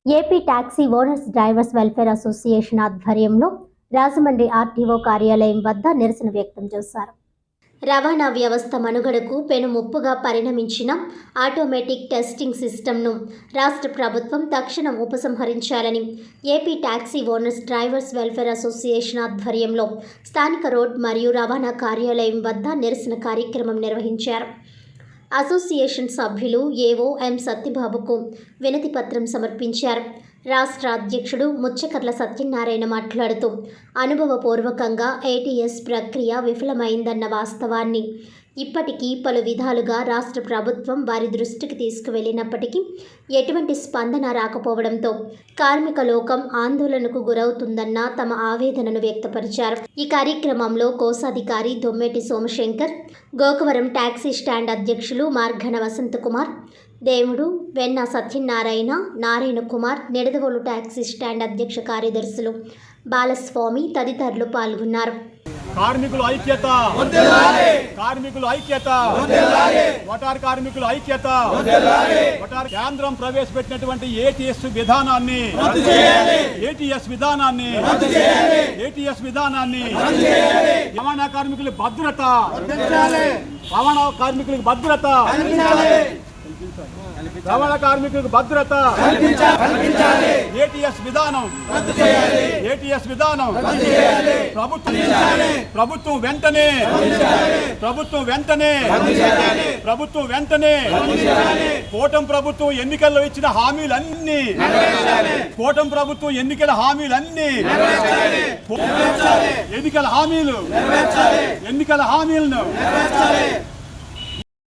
AP taxi owners drivers welfare association ఆధ్వర్యంలో Rajahmundry RTO కార్యాలయం వద్ద నిరసన వ్యక్తం చేశారు. రవాణా వ్యవస్థ మనుగడకు పెను ముప్పుగా పరిణమించిన ఆటోమేటిక్ టెస్టింగ్ సిస్టమ్ను రాష్ట్ర ప్రభుత్వం తక్షణం ఉపసంహరించాలని AP taxi owners drivers welfare association ఆధ్వర్యంలో స్థానిక రోడ్ మరియు రవాణా కార్యాలయం వద్ద నిరసన కార్యక్రమం నిర్వహించారు. అసోసియేషన్ సభ్యులు ఏవో ఎం సత్యబాబుకు వినతి పత్రం సమర్పించారు. రాష్ట్ర అధ్యక్షుడు ముచ్చకర్ల సత్యనారాయణ మాట్లాడుతూ అనుభవపూర్వకంగా ఏటీఎస్ ప్రక్రియ విఫలమైందన్న వాస్తవాన్ని ఇప్పటికీ పలు విధాలుగా రాష్ట్ర ప్రభుత్వం వారి దృష్టికి తీసుకువెళ్లినప్పటికీ ఎటువంటి స్పందన రాకపోవడంతో కార్మిక లోకం ఆందోళనకు గురవుతుందన్న తమ ఆవేదనను వ్యక్తపరిచారు. ఈ కార్యక్రమంలో కోశాధికారి దొమ్మేటి సోమశంకర్, గోకవరం టాక్సీ స్టాండ్ అధ్యక్షులు మార్ఘన వసంతకుమార్, దేవుడు, వెన్న సత్యనారాయణ, నారాయణ కుమార్, నిడదవోలు టాక్సీ స్టాండ్ అధ్యక్ష కార్యదర్శులు బాలస్వామి తదితరులు పాల్గొన్నారు. కార్మికుల ఐక్యత, కార్మికుల ఐక్యత, వటార్ కార్మికుల ఐక్యత, వటార్ కేంద్రం ప్రవేశపెట్టినటువంటి ఏటీఎస్ విధానాన్ని రవాణా కార్మికుల భద్రత, రవాణా కార్మికులకు భద్రత, రవాణా కార్మికులకు భద్రత, ఏటీఎస్ విధానం, ఏటీఎస్ విధానం ప్రభుత్వం వెంటనే కూటమి ప్రభుత్వం ఎన్నికల్లో ఇచ్చిన హామీలన్నీ, కూటమి ప్రభుత్వం ఎన్నికల హామీలన్నీ, ఎన్నికల హామీలను